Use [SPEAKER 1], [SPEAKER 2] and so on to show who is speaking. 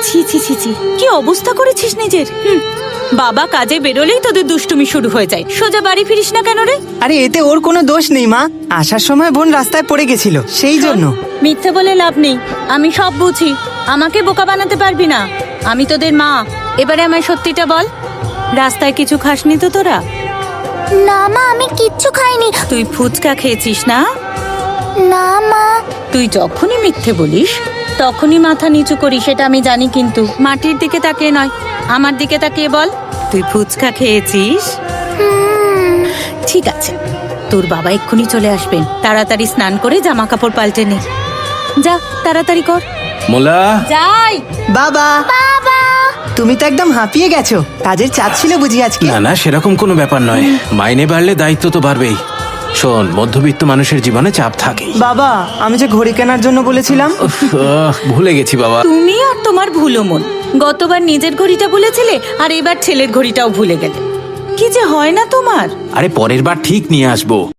[SPEAKER 1] ছি ছি ছি ছি, কি অবস্থা করেছিস নিজের। বাবা কাজে বেরোলেই তোদের দুষ্টুমি শুরু হয়ে যায়। সোজা বাড়ি ফিরিস না কেন রে?
[SPEAKER 2] আরে এতে ওর কোনো দোষ নেই মা, আসার সময় বোন রাস্তায় পড়ে গেছিল সেই জন্য।
[SPEAKER 1] মিথ্যে বলে লাভ নেই, আমি সব বুঝি। আমাকে বোকা বানাতে পারবি না, আমি তোদের মা। এবারে আমায় সত্যিটা বল, রাস্তায় কিছু খাসনি তো তোরা?
[SPEAKER 3] না মা, আমি কিচ্ছু খাইনি।
[SPEAKER 1] তুই ফুচকা খেয়েছিস না?
[SPEAKER 3] না মা।
[SPEAKER 1] তুই যখনই মিথ্যে বলিস তখনই মাথা নিচু করিস, সেটা আমি জানি। কিন্তু মাটির দিকে তাকিয়ে নয়, আমার দিকে তাকিয়ে বল, তুই ফুচকা খেয়েছিস? ঠিক আছে, তোর বাবা এক্ষুনি চলে আসবেন। তাড়াতাড়ি স্নান করে জামা কাপড় পাল্টে নে। যা তাড়াতাড়ি কর।
[SPEAKER 4] মোলা,
[SPEAKER 1] যাই।
[SPEAKER 2] বাবা, তুমি তো একদম হাঁপিয়ে গেছো, কাজের চাপ ছিল বুঝি আজকে?
[SPEAKER 4] না না, সেরকম কোনো ব্যাপার নয়। মাইনে বাড়লে দায়িত্ব তো বাড়বেই। শোন, মধ্যবিত্ত মানুষের জীবনে চাপ থাকেই।
[SPEAKER 2] বাবা, আমি যে ঘড়ি কেনার জন্য বলেছিলাম।
[SPEAKER 4] ভুলে গেছি বাবা।
[SPEAKER 1] তুমি আর তোমার ভুলো মন। গতবার নিজের ঘড়িটা ভুলেছিলে, আর এবার ছেলের ঘড়িটাও ভুলে গেলে। কি যে হয় না তোমার।
[SPEAKER 4] আরে পরের বার ঠিক নিয়ে আসবো।